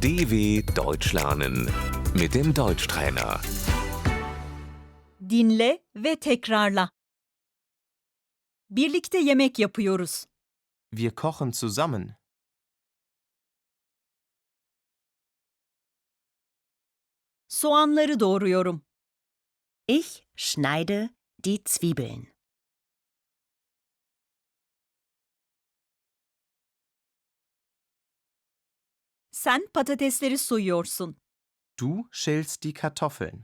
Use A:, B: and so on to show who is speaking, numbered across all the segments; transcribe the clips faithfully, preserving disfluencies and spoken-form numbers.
A: D W Deutsch lernen mit dem Deutschtrainer.
B: Dinle ve tekrarla. Birlikte yemek yapıyoruz.
C: Wir kochen zusammen.
B: Soğanları doğruyorum.
D: Ich schneide die Zwiebeln.
B: Sen patatesleri soyuyorsun.
C: Du schälst die Kartoffeln.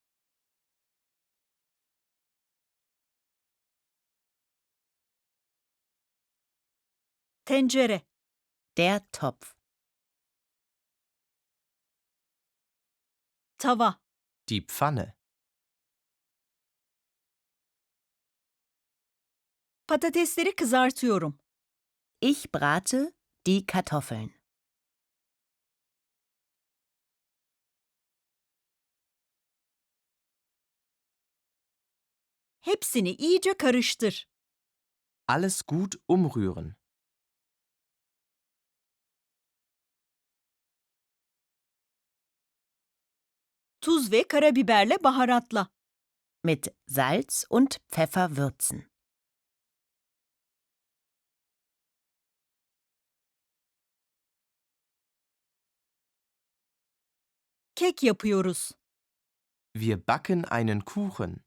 B: Tencere,
D: Der Topf.
B: tava,
C: Die Pfanne.
B: patatesleri kızartıyorum.
D: Ich brate die Kartoffeln.
B: Hepsini iyice karıştır.
C: Alles gut umrühren.
B: Tuz ve karabiberle baharatla.
D: Mit Salz und Pfeffer würzen.
B: Kek yapıyoruz.
C: Wir backen einen Kuchen.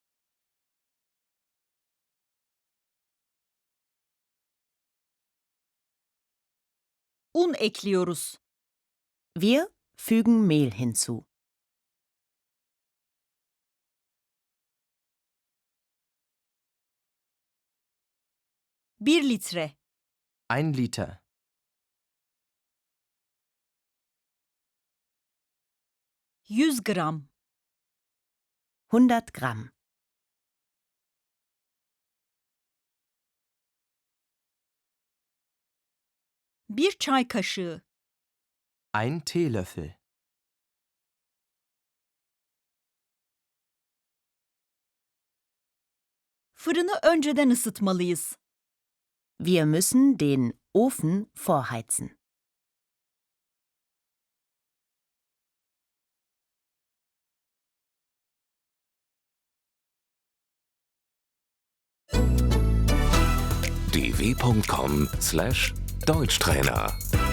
B: Un ekliyoruz.
D: Wir fügen Mehl hinzu.
B: Bir litre.
C: Ein Liter.
B: Yüz gram.
D: hundert Gramm.
B: Bir çay kaşığı.
C: Ein Teelöffel.
B: Fırını önceden ısıtmalıyız.
D: Wir müssen den Ofen vorheizen.
A: d w punkt com slash Deutschtrainer